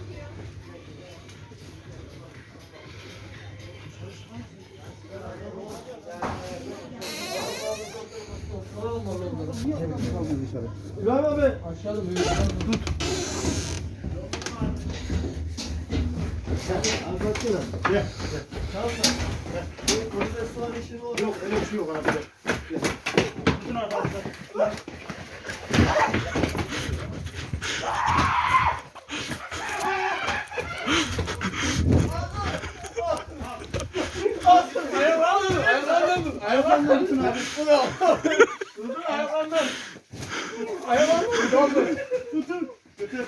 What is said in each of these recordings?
İbrahim abi. Aşağıda böyle. Tut. Anlatsana. Gel. Tamam mı? Burada soğan işi olur. Yok öyle bir şey yok abi. Tutun arkadaşlar. Ayaklarından tutun abi. Tutun ayaklarından. Ayaklarından. Tutun. Götür.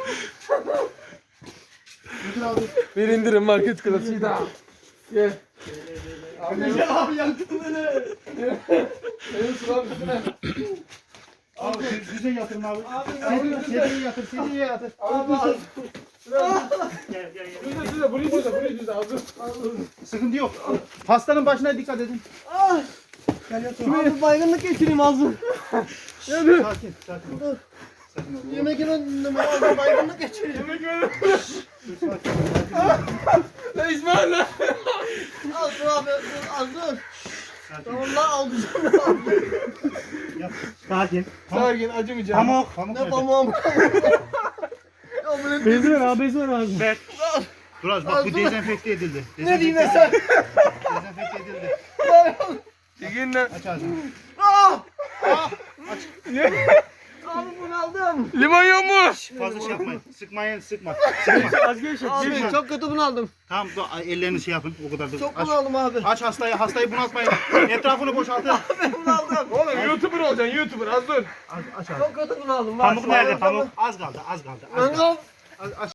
Götür abi. Bir indirim market klasiği daha. Gel. Abi yaktın beni. Benim sıram üstüne. Abi düze yatırın abi. Sediye yatır, sediye yatır. Abi Gel gel gel. düze burayı düze hazır. Sıkıntı yok. Hastanın başına dikkat edin. Gel yatır. Abi baygınlık geçireyim ağzım. Sakin, sakin. Sakin ol. Yemek yemem ağzım baygınlık geçireyim. Sakin ol. La İsmail lan. Al dur abi dur az dur. Sakin. Tamam lan alacağım. Yat. Sakin. Sakin acımayacağım. Pamuk. Pamuk Ne nerede? pamuğum. Ya bu ne? Bez ver abi, bez ver abi. Ver. Dur az bak bu dezenfekte edildi. Ne diyeyim ben sen? Dezenfekte edildi. Çekin lan. Aç ağzını. Abi bunu aldım. Limon yok mu? Fazla şey yapmayın. Sıkmayın, sıkma. Az gevşek. Abi çok kötü bunu aldım. Tamam, ellerini şey yapın. O kadar da. Çok Aç. bunu aldım abi. Aç hastayı bunaltmayın. Etrafını boşaltın. Bunu aldım. Oğlum YouTuber olacaksın YouTuber az dur. Aç abi. Çok kötü bunu aldım. Pamuk nerede? Pamuk. Az kaldı, az kaldı. Az kaldı. Mangal. Aç.